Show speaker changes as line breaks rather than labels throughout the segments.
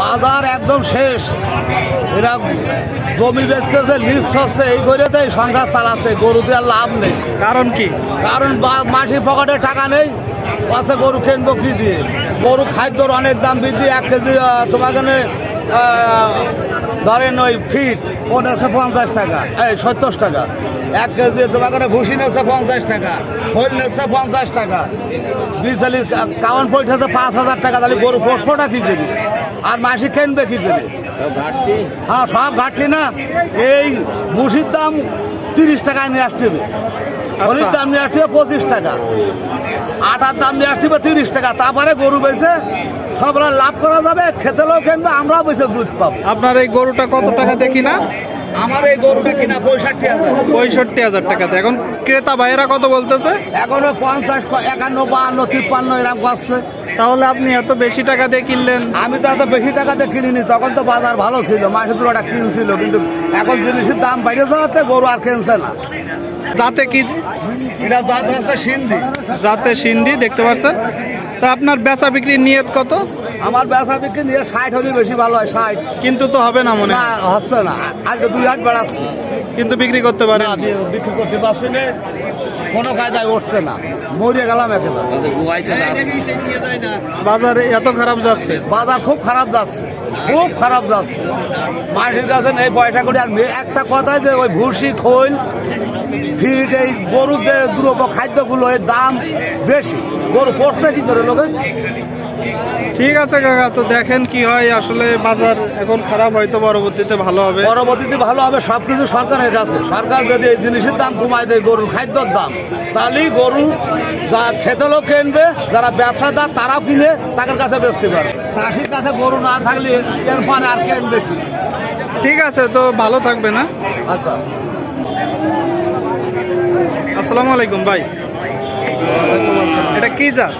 বাজার একদম শেষ। এরা জমি বেচতেছে, লিজ হচ্ছে, এই করে তো এই সংসার চালাচ্ছে। গরুতে আর লাভ নেই।
কারণ কি?
কারণ মাসির পকেটে টাকা নেই, পাশে গরু কিনবো কি দিয়ে? গরু খাদ্যর অনেক দাম বৃদ্ধি। 1 কেজি তোমার এখানে ধরেন ওই ফিট ও নেছে 50 টাকা, এই 70 টাকা। 1 কেজি তোমার এখানে ভুসি নেছে 50 টাকা, খোল নেছে 50 টাকা। বিশালির কাউন পড়তেছে 5,000 টাকা। তাহলে গরু পোষবোটা কি করি? আর মাসি কিনবে কি করে? হ্যাঁ, সব ঘাটতি না। এই ভুসির দাম 30 টাকায় নিয়ে আসতে হবে, খলির দাম নিয়ে আসতে হবে 25 টাকা, আটার দাম নিয়ে আসতে হবে 30 টাকা। তারপরে গরু বেচে সব লাভ করা যাবে, খেতে লোক কিনবে, আমরাও বেচে দুধ পাবো।
আপনার এই গরুটা কত টাকাতে কিনা?
আমার এই গরুটা কিনা 65,000।
65,000 টাকাতে। এখন ক্রেতা ভাইয়েরা কত বলতেছে?
এখনো 50, 51, 52, 53 এরকম করছে।
তাহলে আপনি এত বেশি টাকা দিয়ে কিনলেন?
আমি তো এত বেশি টাকাতে কিনিনি, তখন তো বাজার ভালো ছিল, মাসে দুটা কিনছিল। কিন্তু এখন জিনিসের দাম বেড়ে যাওয়াতে গরু আর কিনছে না।
যাতে কি?
এটা জাত হচ্ছে সিন্ধি।
যাতে সিন্ধি, দেখতে পাচ্ছেন। তা আপনার বেচা বিক্রির নিয়ত কত?
আমার বেচা বিক্রি নিয়ে 60 হলে বেশি ভালো হয়। 60
কিন্তু তো হবে না মনে
না,
হয়।
হচ্ছে না। আজকে 2 হাট বেড়াচ্ছি,
কিন্তু বিক্রি করতে পারেন?
না, বিক্রি করতে পারছি না, কোনো কায়দায় উঠছে না, মরিয়ে গেলাম একেবারে।
বাজার এত খারাপ যাচ্ছে?
বাজার খুব খারাপ যাচ্ছে, খুব খারাপ যাচ্ছে। মাটির কাছে নেই পয়সা করে। আর একটা কথাই যে ওই ভুসি, খোল, ফিট, এই গরুর যে দ্রব্য খাদ্যগুলো এর দাম বেশি। গরু পড়বে কি করে লোকে?
ঠিক আছে কাকা, তো দেখেন কি হয়। আসলে বাজার এখন খারাপ, হয়তো পরবর্তীতে ভালো হবে।
পরবর্তীতে ভালো হবে। সব কিছু সরকারের কাছে। সরকার যদি এই জিনিসের দাম কমায় দেয়, গরুর খাদ্যর দাম, তাহলেই গরু যা খেতে লোক কিনবে, যারা ব্যবসাদার তারাও কিনে তাদের কাছে বেচতে পারে। চাষির কাছে গরু না থাকলে এরপরে আর কিনবে কি?
ঠিক আছে, তো ভালো থাকবে না?
আচ্ছা,
আসসালামু আলাইকুম ভাই। এটা কি জাত?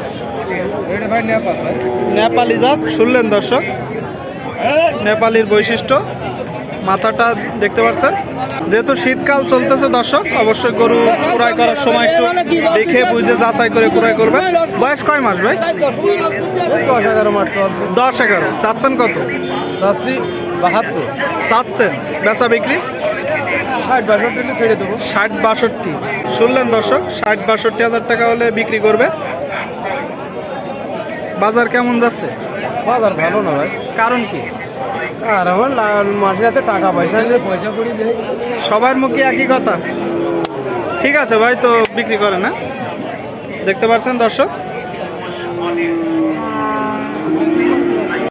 নেপালি জাত। শুনলেন দর্শক, নেপালির বৈশিষ্ট্য। মাথাটা দেখতে পাচ্ছেন। যেহেতু শীতকাল চলতেছে দর্শক, অবশ্যই গরু ক্রয় করার সময় একটু দেখে বুঝে যাচাই করে ক্রয় করবেন। বয়স কয় মাস ভাই?
10-11 মাস চলছে।
10-11। চাচ্ছেন কত?
চাষি 72।
চাচ্ছেন? বেচা বিক্রি
60-62 ছেড়ে দেবো।
60-62। শুনলেন দর্শক, 60-62 হাজার টাকা হলে বিক্রি করবে। বাজার কেমন যাচ্ছে?
বাজার ভালো না ভাই।
কারণ কি?
আর আমার মাসের হাতে টাকা পয়সা নিয়ে পয়সা করি দেয়।
সবার মুখে একই কথা। ঠিক আছে ভাই, তো বিক্রি করে না। দেখতে পাচ্ছেন দর্শক,